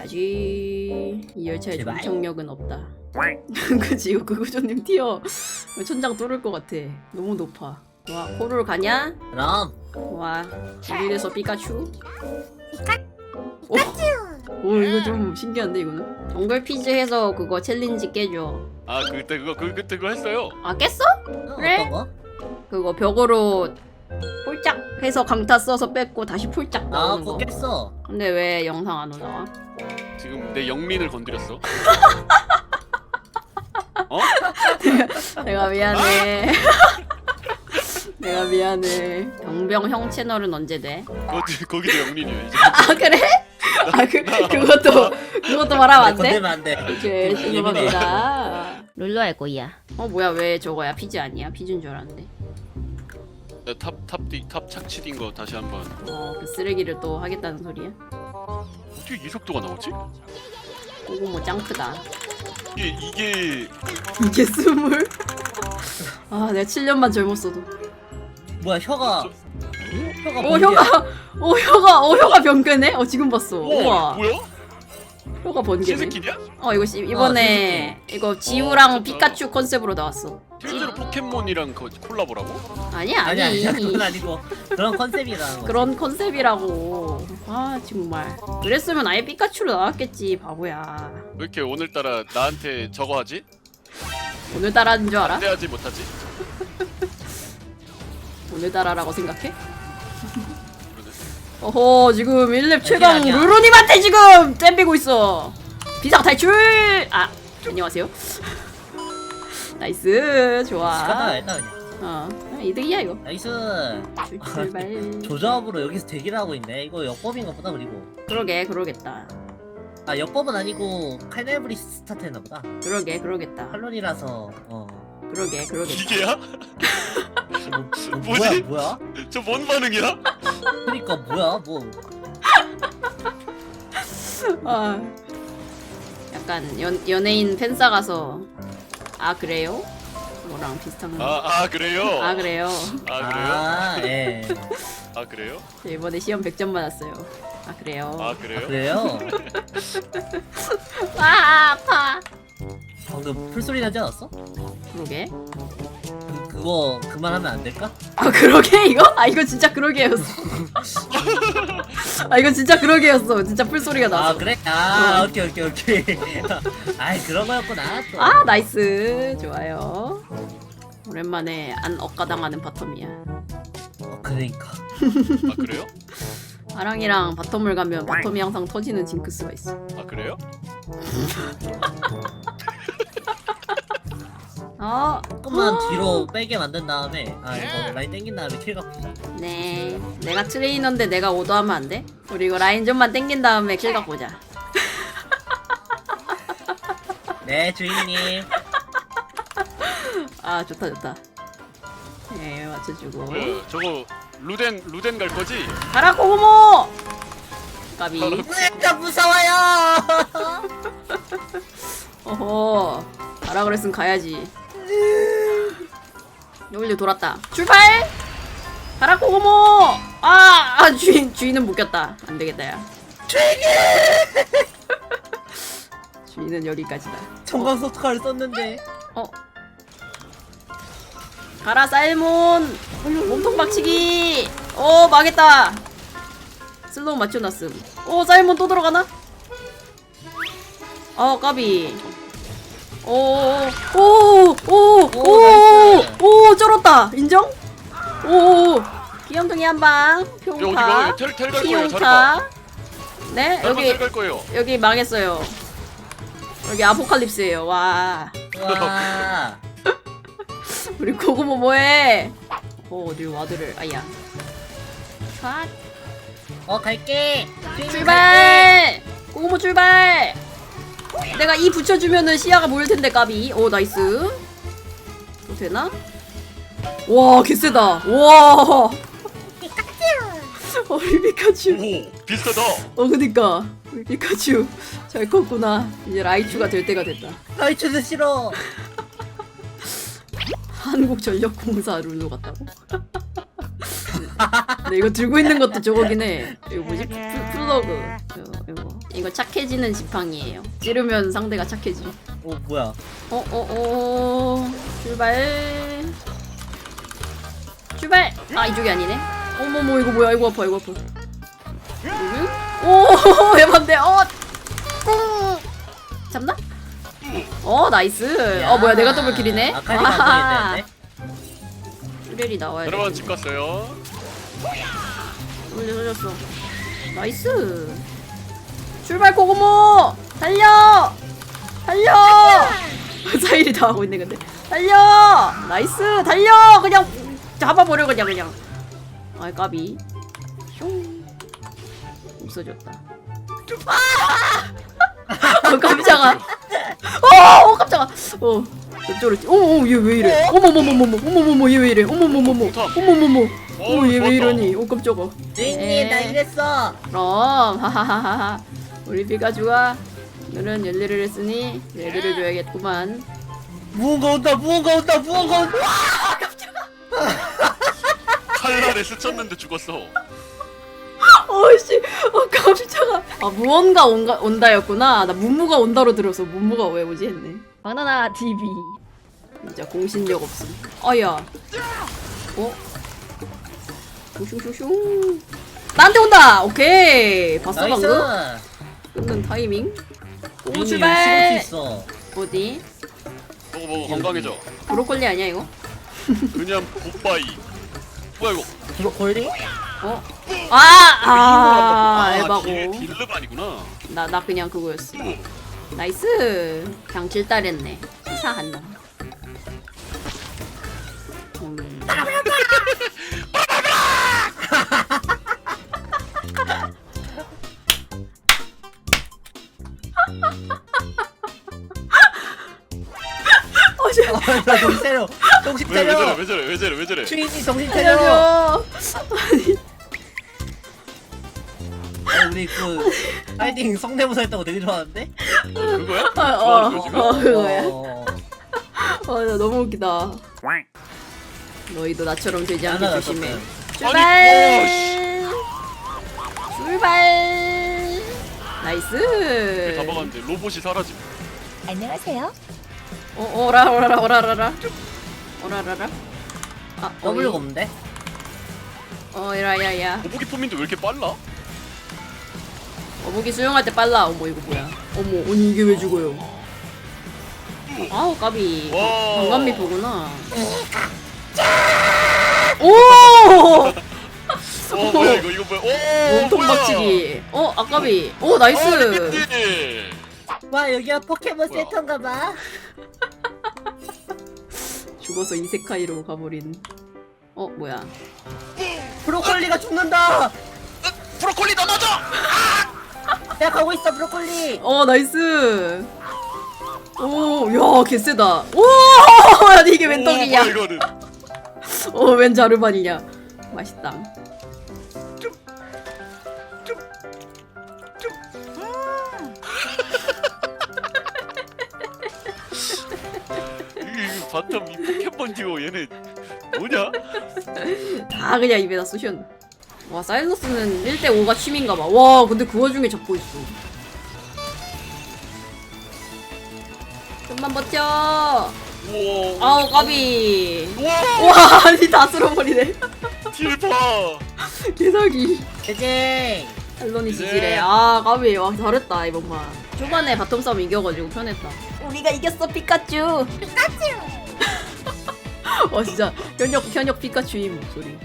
가야지. 이 열차의 제발. 정착력은 없다. 그치 이거 그구조님 튀어. 천장 뚫을 것 같아. 너무 높아. 와 코를 가냐? 그럼 와 우리에서 피카츄. 오 이거 좀 신기한데 이거는. 정글 퀴즈 해서 그거 챌린지 깨줘. 아 그때 그거 했어요. 아 깼어? 그래? 어떤 거? 그거 벽으로 폴짝 해서 강타 써서 뺐고 다시 폴짝 아 나오는 그거 거. 깼어. 근데 왜 영상 안 올라와? 지금 내 영민을 건드렸어. 어? 내가 미안해. 내가 미안해. 병병 형 채널은 언제 돼? 거기도 영민이야 이제. 아 그래? 아 그것도 말하면 안 돼? 건들면 안 돼. 오케이 죄송합니다. 룰루 할 거야. 어 뭐야 왜 저거야 피지 아니야? 피지인 줄 알았는데. 탑 착취인 거 다시 한번. 그 쓰레기를 또 하겠다는 소리야? 어떻게 이 속도가 나오지? 오고 뭐 짱크다. 이게 이게 스물? 아 내가 7년만 젊었어도. 뭐야 혀가 혀가 변개네? 지금 봤어. 우와. 뭐야? 혀가 번개네. 신스킨이야? 이거 이번에 이거 지우랑 피카츄 컨셉으로 나왔어. 실제로 포켓몬이랑 콜라보라고? 아니야 아니야 그건 아니고 그런 컨셉이라는 거. 그런 컨셉이라고. 아 정말. 그랬으면 아예 피카츄로 나왔겠지 바보야. 왜 이렇게 오늘따라 나한테 저거 하지? 오늘따라인 줄 알아? 기대하지 못하지? 오늘따라라고 생각해? 그러네. 어허 지금 1렙 최강 아니야. 루루님한테 지금 땜비고 있어. 비상 탈출! 아 안녕하세요. 나이스 좋아. 시간다 일단 그냥. 이득이야 이거. 나이스. 출발. 조조합으로 여기서 대기를 하고 있네. 이거 역법인가 보다. 그리고 그러겠다. 아 역법은 아니고 칼날브리 스타트 했나 보다. 그러겠다. 칼론이라서 그러겠다. 이게야? 뭐야 뭐지? 뭐야? 저 뭔 반응이야? 그러니까 뭐야 뭐 아 약간 연예인 팬싸 가서 아 그래요? 뭐랑 비슷한 거. 아 그래요? 아 그래요. 아 그래요? 아 예. 아 그래요? 저 이번에 시험 100점 받았어요. 아 그래요. 아 아, 그래요? 그래요? 아 아파. 방금 풀소리 나지 않았어? 그러게. 그거 그만하면 안 될까? 아 그러게 이거? 아 이거 진짜 그러게였어. 아 이거 진짜 그러게였어. 진짜 풀소리가 나서. 아 그래? 아 오케이 아이 그런 거였구나 또. 아 나이스 좋아요. 오랜만에 안 억가당하는 바텀이야. 그러니까 아 그래요? 아랑이랑 바텀을 가면 바텀이 항상 터지는 징크스가 있어. 아 그래요? 조금만 뒤로 빼게 만든 다음에 이거 라인 땡긴 다음에 킬 갖고 네 내가 트레이너인데 내가 오더하면 안 돼? 우리 이거 라인 좀만 땡긴 다음에 킬 갖고 오자. 네 주인님. 아 좋다. 네 맞춰주고. 뭐야 저거 루덴 갈 거지? 가라 고구모. 까비. 진짜 무서워요. 어허 가라 그랬으면 가야지. W 돌았다. 출발! 가라 고구모! 주인은 묶였다. 안 되겠다 야. 주인은 여기까지다. 청강 소트카를 썼는데 가라 살몬! 몸통 박치기! 망했다. 슬로우 맞춰놨음. 살몬 또 들어가나? 까비. 쩔었다. 인정? 귀염둥이 한방. 평타. 여기 텔갈 거예요. 피용타. 네 여기 텔갈 거예요. 여기 망했어요. 여기 아포칼립스예요. 와. 와 우리 고구모 뭐해? 어디 와드를 아야. 샷. 갈게. 출발. 고구모 출발. 내가 이 붙여주면은 시야가 모일 텐데 까비. 나이스. 또 되나? 와 개쎄다. 와. 우리 피카츄. 오 비슷하다. 그니까 우리 피카츄 잘 컸구나. 이제 라이츄가 될 때가 됐다. 라이츠도 싫어. 한국전력공사 룰루 같다고? 근데 이거 들고 있는 것도 저거긴 해. 이거 뭐지? 플러그. 이거. 이거 착해지는 지팡이에요. 찌르면 상대가 착해지. 오 뭐야? 출발. 출발. 아 이쪽이 아니네. 어머머 이거 뭐야? 이거 아파 이거 아파. 오 해봤네. 꿍. 잡나? 나이스. 뭐야 내가 더블킬이네. 아칼리가 안 되는데. 뚜렐이 나와야 돼. 여러분 집 갔어요. 올렸어. 나이스. 출발 고고모. 달려. 사일이 다 하고 있네 근데. 달려. 나이스. 달려. 그냥 잡아버려 그냥. 아이 까비. 슝. 없어졌다. 깜짝아. 깜짝아. 저쪽으로. 얘 왜 이래? 어머머머머머 얘 왜 이래? 어머머머머 얘 왜 이러니? 깜짝아. 주인님 나 이랬어. 그럼 하하하하. 우리 피카츄가 오늘은 열일을 했으니 열일을 줘야겠구만. 무언가 온다. 칼날에 스쳤는데 죽었어. 어이씨, 깜짝아. 무언가 온다였구나. 나 문무가 온다로 들어서 문무가 왜 오지 했네. 바나나 TV. 진짜 공신력 없음. 아야. 슝슝슝슝. 나한테 온다. 오케이. 봤어 나이스. 방금? 끊는 타이밍. 오 주인님 출발. 시골 수 있어. 어디? 먹어 건강해져. 브로콜리 아니야 이거? 그냥 굿바이. 뭐야 이거? 브로콜리? 에바고. 딜르 아니구나. 나 그냥 그거였어. 나이스. 그냥 질달했네. 치사한 놈. 나 정신 차려. 정신 차려. 왜 저래? 주인님 정신 차려. 살려줘. 아니 우리 그 파이팅 성대모사 했다고 되게 좋아하는데? 그거야? 그거야. 어. 나 너무 웃기다. 너희도 나처럼 되지 않게 하나 조심해. 났었어요. 출발. 나이스. 다 먹었는데 로봇이 사라짐. 안녕하세요. 오라라라. W가 없는데? 야야야. 거북이 폼인데 왜 이렇게 빨라? 거북이 수영할 때 빨라. 어머 이거 뭐야? 아니 이게 왜 죽어요? 아우 까비. 와. 강간미 보구나. 오! 뭐야 이거 뭐야? 몸통 박치기. 아까비. 나이스. 와 여기가 포켓몬 뭐야? 센터인가봐. 죽어서 이세카이로 가버린. 뭐야? 브로콜리가 죽는다. 브로콜리 넘어져! 내가 가고 있어 브로콜리. 나이스. 야 개쎄다. 아니 이게 웬 떡이냐? 뭐야, 이거는. 웬 자르반이냐? 맛있다. 이 바텀 이 포켓몬 듀오 얘네 뭐냐? 다 그냥 입에다 쑤셨네. 와 사일러스는 1대5가 취미인가봐. 와 근데 그 와중에 잡고 있어. 좀만 버텨. 우와. 아우 까비. 우와. 와 아니 다 쓸어버리네. 딜파. 개사기. 제제. 앨런이 이제. 지지래. 까비. 와 잘했다 이번만. 초반에 바텀 싸움 이겨가지고 편했다. 우리가 이겼어 피카츄. 진짜 현역 피카츄인 목소리.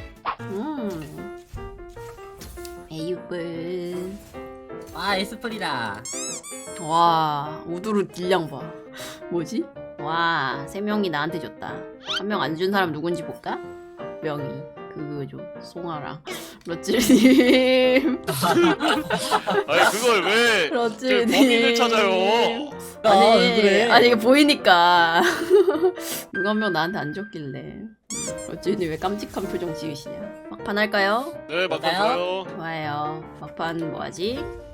에이블. 아 에스프리다. 와 우두루 딜량 봐. 뭐지? 와 3명이 나한테 줬다. 1명 안 준 사람 누군지 볼까? 명이 그거죠. 송아랑 러찔님. 아니 그걸 왜 러찔님. 범인을 찾아요? 왜 그래? 아니 이게 보이니까. 누가 한 명 나한테 안 줬길래. 러찔님 왜 깜찍한 표정 지으시냐? 막판 할까요? 네 맞아요. 좋아요. 막판 뭐하지?